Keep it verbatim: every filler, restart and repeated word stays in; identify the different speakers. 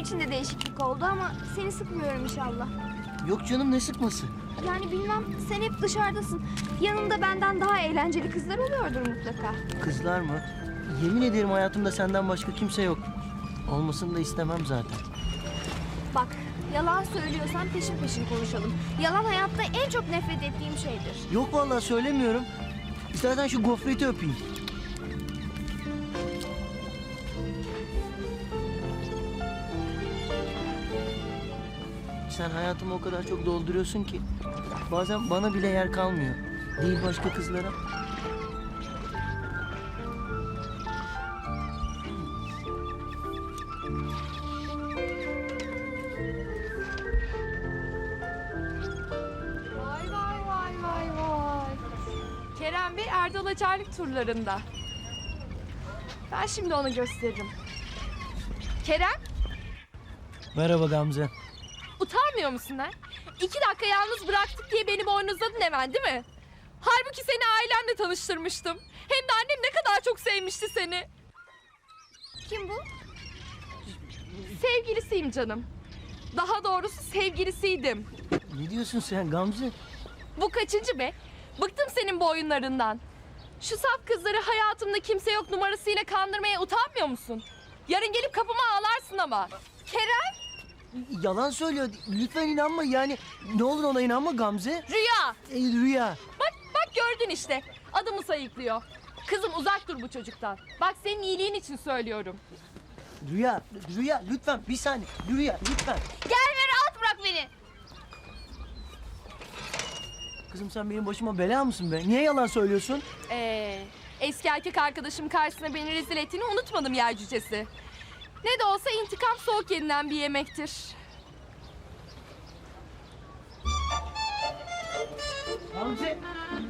Speaker 1: için de değişiklik oldu ama seni sıkmıyorum inşallah.
Speaker 2: Yok canım, ne sıkması?
Speaker 1: Yani bilmem, sen hep dışarıdasın. Yanında benden daha eğlenceli kızlar oluyordur mutlaka.
Speaker 2: Kızlar mı? Yemin ederim hayatımda senden başka kimse yok. Olmasını da istemem zaten.
Speaker 1: Bak, yalan söylüyorsan peşin peşin konuşalım. Yalan hayatta en çok nefret ettiğim şeydir.
Speaker 2: Yok vallahi söylemiyorum. İstersen şu gofreti öpeyim. Sen hayatımı o kadar çok dolduruyorsun ki bazen bana bile yer kalmıyor. Değil başka kızlara.
Speaker 3: Vay vay vay vay vay. Kerem Bey Erdal Acarlık turlarında. Ben şimdi onu gösteririm. Kerem,
Speaker 2: Merhaba Gamze.
Speaker 3: utanmıyor musun ha? İki dakika yalnız bıraktık diye beni boynuzladın hemen değil mi? Halbuki seni ailemle tanıştırmıştım. Hem de annem ne kadar çok sevmişti seni.
Speaker 1: Kim bu?
Speaker 3: Sevgilisiyim canım. Daha doğrusu sevgilisiydim.
Speaker 2: Ne diyorsun sen Gamze?
Speaker 3: Bu kaçıncı be? Bıktım senin bu oyunlarından. Şu saf kızları hayatımda kimse yok numarasıyla kandırmaya utanmıyor musun? Yarın gelip kapıma ağlarsın ama. Kerem,
Speaker 2: Yalan söylüyor. Lütfen inanma yani. Ne olur ona inanma Gamze.
Speaker 3: Rüya.
Speaker 2: E, Rüya.
Speaker 3: Bak bak gördün işte. Adımı sayıklıyor. Kızım uzak dur bu çocuktan. Bak senin iyiliğin için söylüyorum.
Speaker 2: Rüya. Rüya lütfen bir saniye. Rüya lütfen.
Speaker 1: Gel ve rahat bırak beni.
Speaker 2: Kızım sen benim başıma bela mısın be? Niye yalan söylüyorsun?
Speaker 3: Ee, eski erkek arkadaşım karşısına beni rezil ettiğini unutmadım yer cücesi. Ne de olsa intikam soğuk yenilen bir yemektir.
Speaker 2: Gamze.